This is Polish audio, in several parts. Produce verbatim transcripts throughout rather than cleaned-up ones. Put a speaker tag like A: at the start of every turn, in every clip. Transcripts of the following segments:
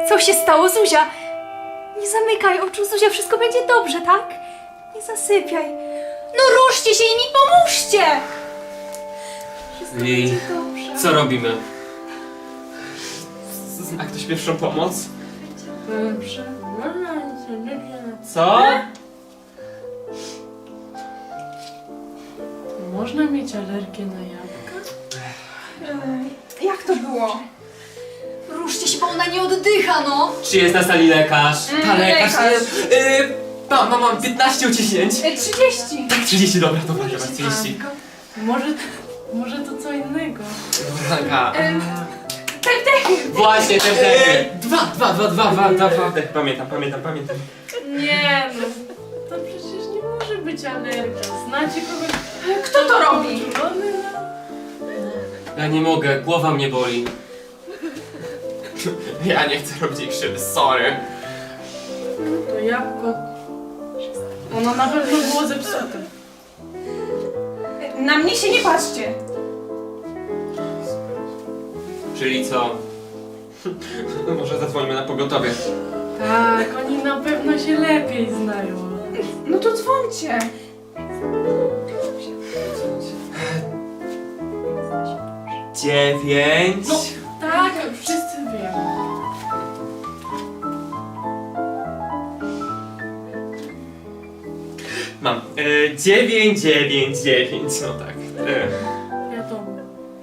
A: Co się stało, Zuzia? Nie zamykaj oczu, Zuzia, wszystko będzie dobrze, tak? Nie zasypiaj. No ruszcie się i mi pomóżcie! Wszystko
B: Lili,
A: będzie dobrze.
B: co robimy? Zna ktoś pierwszą pomoc?
C: Dobrze.
B: Co?
C: Można mieć alergię na jabłka?
A: Ej, jak to było? Ruszcie się, bo ona nie oddycha, no!
B: Czy jest na sali lekarz? Ta lekarz.
A: lekarz.
B: Yy, mam, mam, mam piętnaście uciśnięć.
A: Ej, trzydzieści!
B: Tak, trzydzieści, dobra, dobra, dobra, trzydzieści.
C: Może, może to co innego?
B: Dobra,
A: Ym, Tak, tak!
B: właśnie, te wdechy. Dwa, dwa, dwa, dwa, dwa, dwa, dwa wdechy. Pamiętam, pamiętam, pamiętam.
C: Nie no, to przecież nie może być alergia. Znacie kogoś...
A: Kto to robi?
C: uczulony na...
B: Ja nie mogę, głowa mnie boli. Ja nie chcę robić jej krzywdy, sorry.
C: To jabłko... Ono na pewno było zepsute.
A: Na mnie się nie patrzcie!
B: Czyli co? Może zadzwonimy na pogotowie.
C: Tak, oni na pewno się lepiej znają.
A: No to dzwońcie!
B: Dziewięć.
C: No. Tak, wszyscy wiemy.
B: Mam. E, dziewięć, dziewięć, dziewięć, no tak. E.
C: Wiadomo.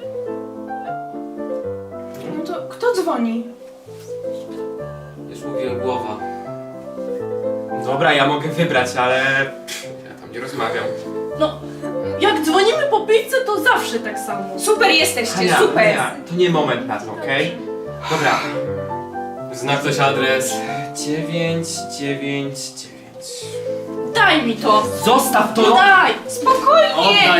A: No to kto dzwoni?
B: Już mówiłem, głowa. Dobra, ja mogę wybrać, ale... pff, ja tam nie rozmawiam.
C: No, jak dzwonimy po pizzę, to zawsze tak samo.
A: Super jesteście,
B: Hania,
A: super!
B: Hania, to nie moment na to, okej? Dobra. Zna ktoś adres? dziewięć, dziewięć, dziewięć.
C: Daj mi to!
B: Zostaw to!
C: No daj!
A: Spokojnie!
B: Oddaj
C: E,
B: mu!
D: Państwowe ratownictwo medyczne, słucham.
B: Halo?
D: Państwowe ratownictwo medyczne, słucham.